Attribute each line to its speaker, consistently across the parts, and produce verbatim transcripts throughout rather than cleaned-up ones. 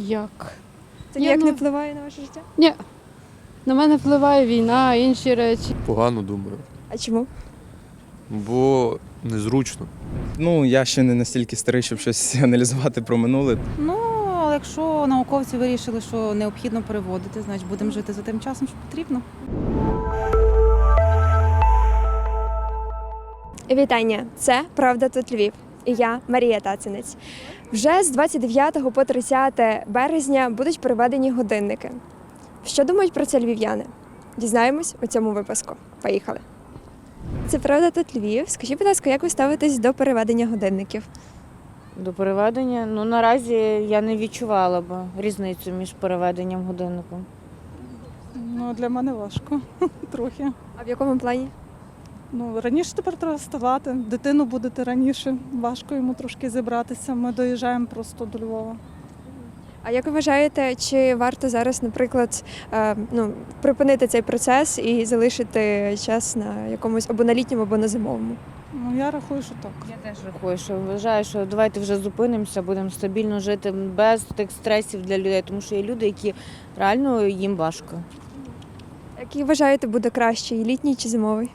Speaker 1: Як?
Speaker 2: Це
Speaker 1: Ні,
Speaker 2: ніяк
Speaker 1: ну-
Speaker 2: не впливає на ваше життя?
Speaker 1: Ні. На мене впливає війна, інші речі.
Speaker 3: Погано думаю,
Speaker 2: А чому?
Speaker 3: бо незручно.
Speaker 4: Ну, я ще не настільки старий, щоб щось аналізувати про минуле.
Speaker 5: Ну, але якщо науковці вирішили, що необхідно переводити, значить будемо жити за тим часом, що потрібно.
Speaker 2: Вітання! Це «Правда тут Львів» і я, Марія Тацинець. Вже з двадцять дев'ятого по тридцяте березня будуть переведені годинники. Що думають про це львів'яни? Дізнаємось у цьому випуску. Поїхали! Це «Правда тут Львів». Скажіть, будь ласка, як ви ставитесь до переведення годинників?
Speaker 6: До переведення? Ну, наразі я не відчувала б різницю між переведенням годинником.
Speaker 7: Ну, для мене важко трохи.
Speaker 2: А в якому плані?
Speaker 7: Ну, раніше тепер треба вставати. Дитину будете раніше. Важко йому трошки зібратися. Ми доїжджаємо просто до Львова.
Speaker 2: А як ви вважаєте, чи варто зараз, наприклад, е, ну, припинити цей процес і залишити час на якомусь або на літньому, або на зимовому?
Speaker 7: Ну, я рахую, що так.
Speaker 6: Я теж рахую, що вважаю, що давайте вже зупинимося, будемо стабільно жити без тих стресів для людей, тому що є люди, які реально їм важко.
Speaker 2: Який вважаєте буде краще, і літній чи зимовий?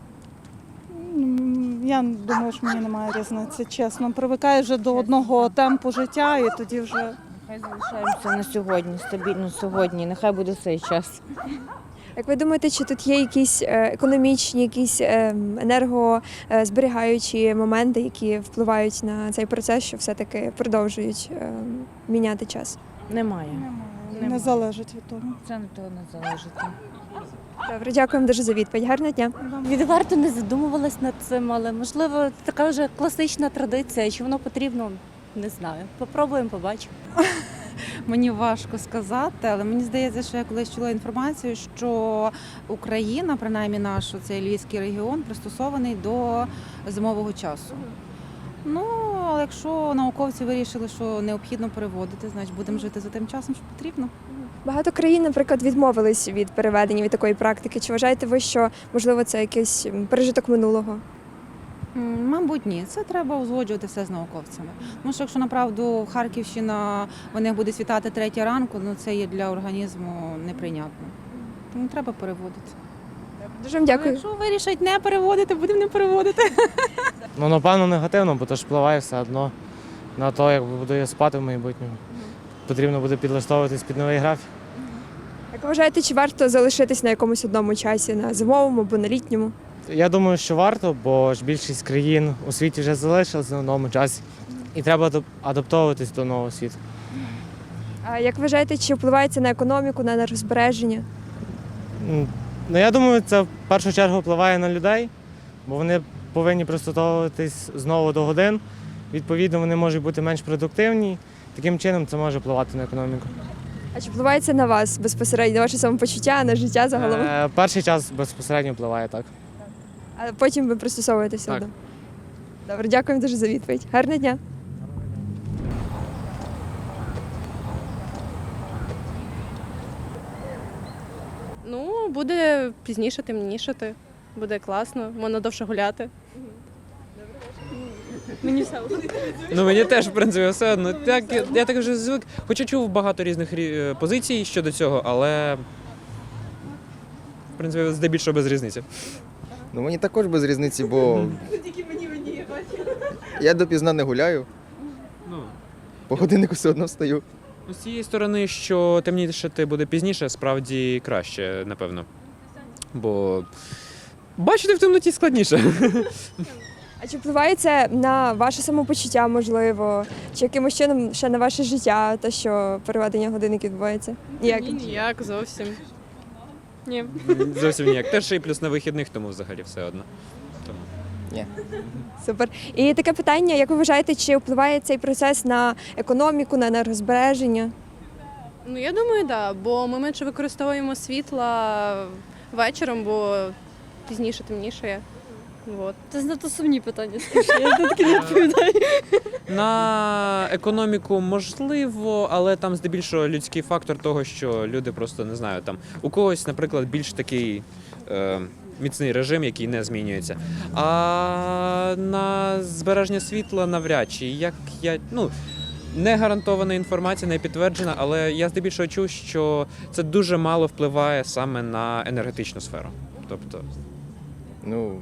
Speaker 7: М, Я думаю, що мені немає різниці, чесно. Привикаю вже до одного темпу життя і тоді вже.
Speaker 6: Нехай залишаємося на сьогодні, стабільно сьогодні, нехай буде цей час.
Speaker 2: Як ви думаєте, чи тут є якісь е, економічні, якісь е, енергозберігаючі моменти, які впливають на цей процес, що все-таки продовжують е, міняти час?
Speaker 6: Немає.
Speaker 7: Немає.
Speaker 6: Немає.
Speaker 7: Не залежить від того.
Speaker 6: Це не того не залежить.
Speaker 2: Добре, дякуємо дуже за відповідь. Гарного дня.
Speaker 8: Відверто не задумувалась над цим, але можливо така вже класична традиція. Чи воно потрібно, не знаю. Попробуємо, побачимо.
Speaker 5: Мені важко сказати, але мені здається, що я колись чула інформацію, що Україна, принаймні наш цей львівський регіон, пристосований до зимового часу. Ну, але якщо науковці вирішили, що необхідно переводити, значить будемо жити за тим часом, що потрібно.
Speaker 2: Багато країн, наприклад, відмовились від переведення від такої практики. Чи вважаєте ви, що можливо це якийсь м, пережиток минулого?
Speaker 5: М, Мабуть, ні. Це треба узгоджувати все з науковцями. Тому що якщо направду Харківщина, вони буде світати третя ранку, ну це є для організму неприйнятно. Тому треба переводити.
Speaker 2: Дуже вам
Speaker 5: Але
Speaker 2: дякую.
Speaker 5: якщо вирішать не переводити, будемо не переводити.
Speaker 9: Ну, напевно, негативно, бо то ж впливає все одно на те, як буду я спати в майбутньому. Потрібно буде підлаштовуватись під новий графік.
Speaker 2: Як ви вважаєте, чи варто залишитись на якомусь одному часі, на зимовому або на літньому?
Speaker 9: Я думаю, що варто, бо ж більшість країн у світі вже залишилися на новому часі. І треба адап- адаптовуватись до нового світу.
Speaker 2: А як вважаєте, чи впливає це на економіку, на енергозбереження?
Speaker 9: М, Ну, я думаю, це в першу чергу впливає на людей, бо вони повинні пристосовуватись знову до годин. Відповідно, вони можуть бути менш продуктивні. Таким чином це може впливати на економіку.
Speaker 2: А чи впливає це на вас безпосередньо, на ваше самопочуття, на життя загалом?
Speaker 9: Е, перший час безпосередньо впливає так.
Speaker 2: А потім ви пристосовуєтеся
Speaker 9: Так.
Speaker 2: до. Добре, дякуємо дуже за відповідь. Гарного дня.
Speaker 10: Ну, буде пізніше темнішати, буде класно, можна довше гуляти. Мені все одно.
Speaker 11: Ну мені теж в принципі все одно. Так я, я так вже звик. Хоча чув багато різних рі- е, позицій щодо цього, але в принципі здебільшого без різниці.
Speaker 4: Ну мені також без різниці, бо я допізна не гуляю,
Speaker 11: Ну
Speaker 4: по годиннику все одно встаю.
Speaker 11: з цієї сторони, що темнішати буде пізніше, справді краще, напевно. Бо бачити в темноті складніше.
Speaker 2: А чи впливає це на ваше самопочуття, можливо, чи якимось чином ще на ваше життя, те, що переведення годинників відбувається? Ніяк.
Speaker 10: Ні, ніяк зовсім. Ні.
Speaker 11: Зовсім ніяк. Теж ще й плюс на вихідних, тому взагалі все одно. Тому.
Speaker 2: Супер. І таке питання, як ви вважаєте, чи впливає цей процес на економіку, на енергозбереження?
Speaker 10: Ну я думаю, так, да, бо ми менше використовуємо світла вечором, бо пізніше темнішає. Вот.
Speaker 8: Це знато сумні питання, скажи, я тут не відповідаю.
Speaker 11: На економіку можливо, але там здебільшого людський фактор того, що люди просто не знаю, там у когось, наприклад, більш такий е, міцний режим, який не змінюється. А на збереження світла навряд чи як я ну не гарантована інформація, не підтверджена, але я здебільшого чув, що це дуже мало впливає саме на енергетичну сферу. Тобто,
Speaker 4: Ну,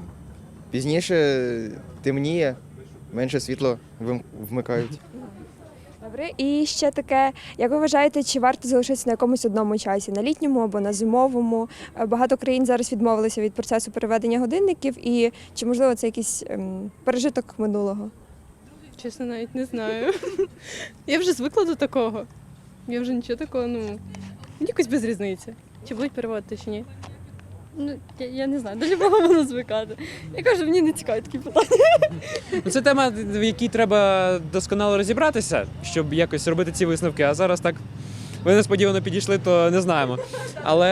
Speaker 4: пізніше темніє, менше світло вим- вмикають.
Speaker 2: Добре, і ще таке, як ви вважаєте, чи варто залишитися на якомусь одному часі, на літньому або на зимовому? Е, Багато країн зараз відмовилися від процесу переведення годинників, і чи можливо це якийсь ем, пережиток минулого?
Speaker 10: Чесно, навіть не знаю. Я вже звикла до такого. Я вже нічого такого, ну, мені якось без різниці. Чи будуть переводити, чи ні.
Speaker 1: Ну, я, я не знаю, до любого воно звикати. Я кажу, мені не цікаві такі питання.
Speaker 11: ну, це тема, в якій треба досконало розібратися, щоб якось робити ці висновки. А зараз так ви несподівано підійшли, то не знаємо. Але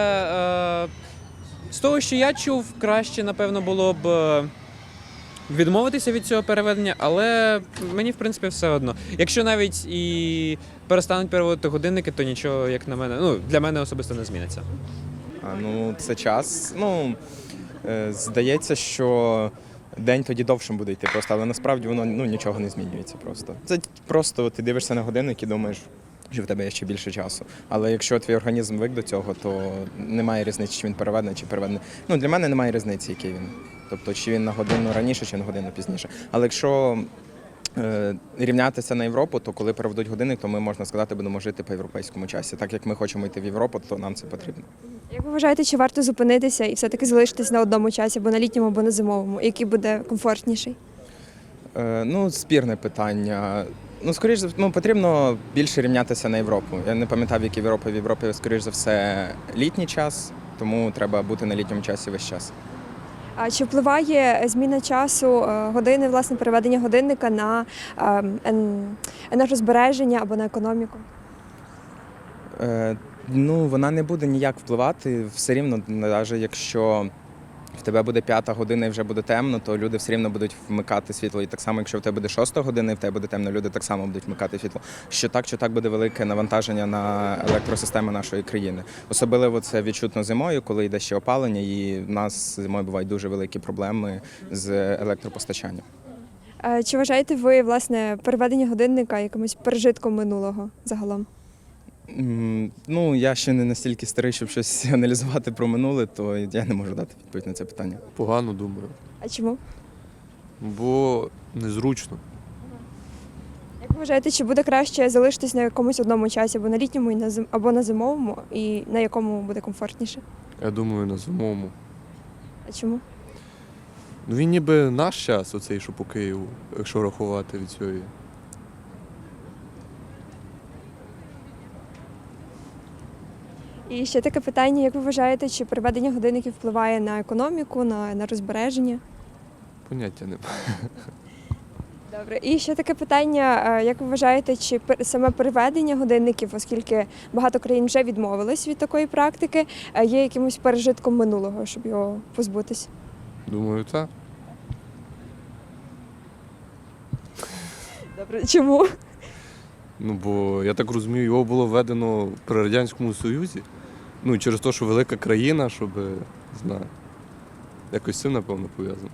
Speaker 11: е, з того, що я чув, краще, напевно, було б е, відмовитися від цього переведення, але мені, в принципі, все одно. Якщо навіть і перестануть переводити годинники, то нічого, як на мене, ну, для мене особисто не зміниться.
Speaker 4: А, ну, це час. Ну, е, здається, що день тоді довшим буде йти просто, але насправді воно ну, нічого не змінюється просто. Це просто ти дивишся на годинник і думаєш, що в тебе є ще більше часу. Але якщо твій організм звик до цього, то немає різниці, чи він переведений, чи переведений. Ну, для мене немає різниці, який він. Тобто, чи він на годину раніше, чи на годину пізніше. Але якщо е, рівнятися на Європу, то коли переведуть годинник, то ми, можна сказати, будемо жити по європейському часі. Так як ми хочемо йти в Європу, то нам це потрібно.
Speaker 2: Як ви вважаєте, чи варто зупинитися і все-таки залишитись на одному часі, або на літньому, або на зимовому, який буде комфортніший?
Speaker 4: Е, ну, спірне питання. Ну, скоріш за ну, потрібно більше рівнятися на Європу. Я не пам'ятав, які в Європі. В Європі, скоріш за все, літній час, тому треба бути на літньому часі весь час.
Speaker 2: А чи впливає зміна часу е, години, власне, переведення годинника на е, ен- енергозбереження або на економіку?
Speaker 4: Е, ну, вона не буде ніяк впливати. Все рівно, навіть якщо в тебе буде п'ята година і вже буде темно, то люди все рівно будуть вмикати світло. І так само, якщо в тебе буде шоста година і в тебе буде темно, люди так само будуть вмикати світло. Що так, що так буде велике навантаження на електросистему нашої країни. Особливо це відчутно зимою, коли йде ще опалення, і в нас зимою бувають дуже великі проблеми з електропостачанням.
Speaker 2: Е, Чи вважаєте ви, власне, переведення годинника якимось пережитком минулого загалом?
Speaker 4: М, Ну, я ще не настільки старий, щоб щось аналізувати про минуле, то я не можу дати відповідь на це питання.
Speaker 3: Погано думаю.
Speaker 2: А чому?
Speaker 3: Бо незручно.
Speaker 2: Як ви вважаєте, чи буде краще залишитись на якомусь одному часі, або на літньому, і на зим... або на зимовому, і на якому буде комфортніше?
Speaker 3: Я думаю, на зимовому.
Speaker 2: А чому?
Speaker 3: Ну він ніби наш час, оцей, що по Києву, якщо рахувати від цієї.
Speaker 2: І ще таке питання, як ви вважаєте, чи переведення годинників впливає на економіку, на, на розбереження?
Speaker 3: Поняття немає.
Speaker 2: Добре. І ще таке питання, е, як ви вважаєте, чи пер- саме переведення годинників, оскільки багато країн вже відмовились від такої практики, е, є якимось пережитком минулого, щоб його позбутись?
Speaker 3: Думаю, так.
Speaker 2: Добре. Чому?
Speaker 3: Ну, бо я так розумію, його було введено при Радянському Союзі. Ну, і через те, що велика країна, щоб, не знаю, якось з цим, напевно, пов'язано.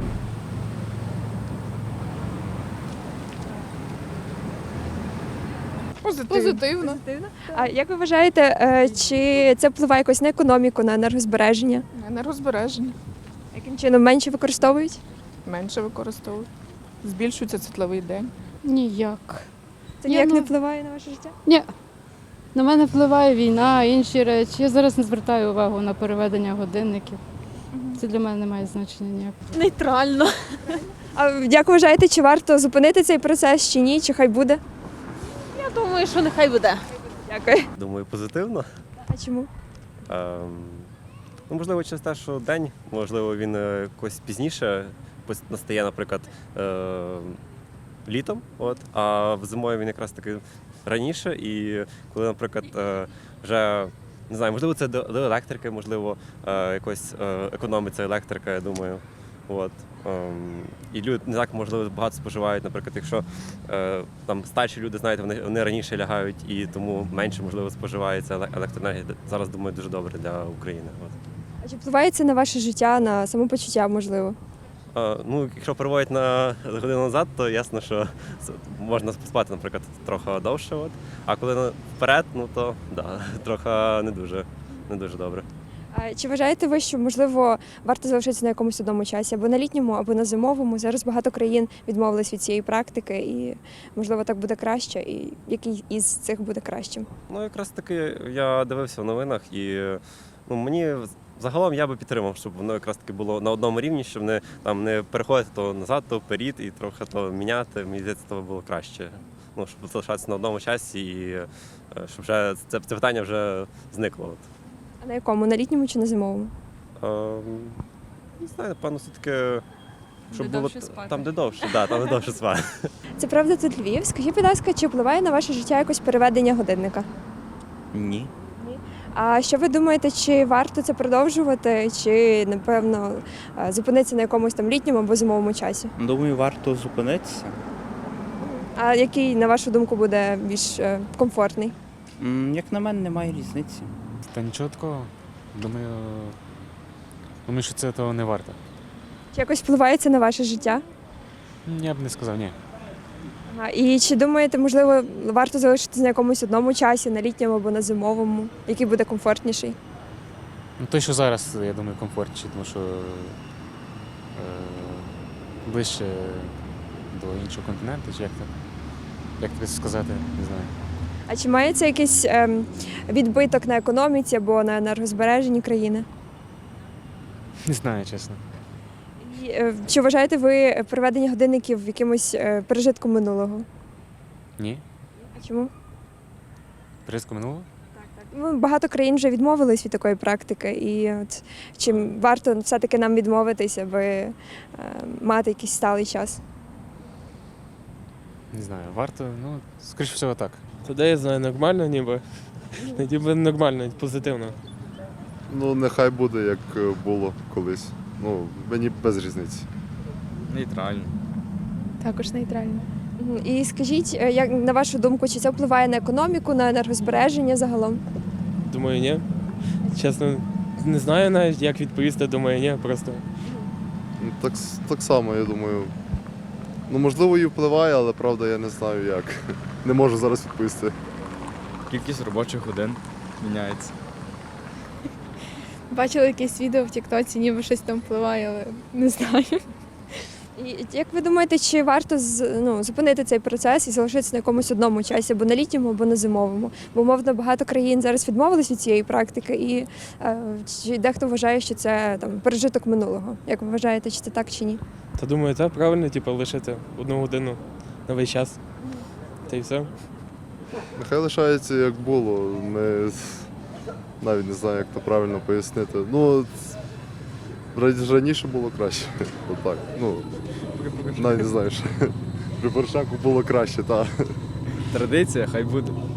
Speaker 10: Позитивно.
Speaker 2: А як ви вважаєте, е, чи це впливає якось на економіку, на енергозбереження?
Speaker 12: Енергозбереження
Speaker 2: Яким чином менше використовують?
Speaker 12: менше використовують. Збільшується світловий день.
Speaker 1: Ніяк.
Speaker 2: Це
Speaker 1: Ні,
Speaker 2: ніяк
Speaker 1: ну-
Speaker 2: не впливає на ваше життя?
Speaker 1: Ні. На мене впливає війна, інші речі. Я зараз не звертаю увагу на переведення годинників. Це для мене не має значення ніякого.
Speaker 8: Нейтрально.
Speaker 2: А як ви вважаєте, чи варто зупинити цей процес, чи ні, чи хай буде?
Speaker 8: Я думаю, що нехай буде.
Speaker 2: Дякую.
Speaker 13: Думаю, позитивно.
Speaker 2: А чому?
Speaker 13: Ем, ну, можливо, через те, що день, можливо, він е, якось пізніше пос- настає, наприклад, е, літом, от, а в зимою він якраз таки раніше. І коли, наприклад, е, вже не знаю, можливо, це до, до електрики, можливо, е, якось е, економиться електрика, я думаю. От. Ем, і люди не так, можливо, багато споживають, наприклад, якщо е, там старші люди, знаєте, вони, вони раніше лягають і тому менше, можливо, споживається еле- електроенергія. Зараз, думаю, дуже добре для України. От.
Speaker 2: А чи впливає це на ваше життя, на самопочуття, можливо?
Speaker 13: А, ну, якщо переводять на годину назад, то ясно, що це- можна спати, наприклад, трохи довше. От. А коли на- вперед, ну то да, трохи не дуже, не дуже добре.
Speaker 2: А чи вважаєте ви, що можливо варто залишитися на якомусь одному часі або на літньому, або на зимовому? Зараз багато країн відмовились від цієї практики, і можливо так буде краще. І який із цих буде кращим?
Speaker 13: Ну, якраз таки я дивився в новинах і ну, мені загалом я би підтримав, щоб воно якраз таки було на одному рівні, щоб не там не переходити то назад, то вперед і трохи то міняти. Мені здається, то було краще. Ну, щоб залишатися на одному часі і е, щоб вже це, це питання вже зникло. От.
Speaker 2: А на якому? На літньому чи на зимовому?
Speaker 13: Ем, не знаю, напевно, все-таки, щоб
Speaker 1: Де
Speaker 13: було
Speaker 1: довше спати.
Speaker 13: там, де довше, да, там, де довше спати.
Speaker 2: Це правда тут Львів. Скажіть, будь ласка, чи впливає на ваше життя якось переведення годинника?
Speaker 14: Ні.
Speaker 2: А що ви думаєте, чи варто це продовжувати, чи напевно е, зупинитися на якомусь там літньому або зимовому часі?
Speaker 14: Думаю, варто зупинитися.
Speaker 2: А який, на вашу думку, буде більш е, комфортний?
Speaker 14: М, Як на мене, немає різниці.
Speaker 15: Та нічого такого. Думаю, думаю, що це того не варто.
Speaker 2: Чи якось впливає це на ваше життя?
Speaker 15: Я б не сказав, ні.
Speaker 2: Ага. І чи думаєте, можливо, варто залишитися на якомусь одному часі, на літньому або на зимовому, який буде комфортніший?
Speaker 15: Ну, той, що зараз, я думаю, комфортніше, тому що е, ближче до іншого континенту, чи як так, як тобі сказати, не знаю.
Speaker 2: А чи має це якийсь ем, відбиток на економіці або на енергозбереженні країни?
Speaker 15: Не знаю, чесно.
Speaker 2: І, е, чи вважаєте ви приведення годинників якимось е, пережитком минулого?
Speaker 15: Ні.
Speaker 2: А чому?
Speaker 15: Призку минуло?
Speaker 2: Ну, багато країн вже відмовились від такої практики, і от чи варто все-таки нам відмовитись, аби е, мати якийсь сталий час?
Speaker 15: Не знаю, варто, ну, скоріше всього так.
Speaker 16: Тоді я знаю, нормально ніби. Ніби нормально, позитивно.
Speaker 17: Ну, нехай буде, як було колись. Ну, мені без різниці.
Speaker 11: Нейтрально.
Speaker 10: Також нейтрально.
Speaker 2: Мгм. І скажіть, е, як на вашу думку, чи це впливає на економіку, на енергозбереження загалом?
Speaker 16: Думаю, ні. Чесно, не знаю навіть, як відповісти, думаю, ні, просто.
Speaker 17: Ну, так, с- так само, я думаю. Ну, можливо, і впливає, але правда я не знаю як. Не можу зараз відповісти.
Speaker 11: Кількість робочих годин міняється.
Speaker 10: Бачила якесь відео в Тіктоці, ніби щось там впливає, але не знаю.
Speaker 2: І як ви думаєте, чи варто з- ну, зупинити цей процес і залишитися на якомусь одному часі, або на літньому, або на зимовому? Бо, мовно, багато країн зараз відмовились від цієї практики, і е, чи дехто вважає, що це там пережиток минулого. Як ви вважаєте, чи це так чи ні?
Speaker 16: Та думаю, так правильно, типу, лишити одну годину на весь час. Та й все.
Speaker 17: Нехай лишається як було. Ми навіть не знаю, як то правильно пояснити. Ну, ра- раніше було краще. Отак. Ну, навіть не знаю, що. При Порошенку було краще, так.
Speaker 11: Традиція, хай буде.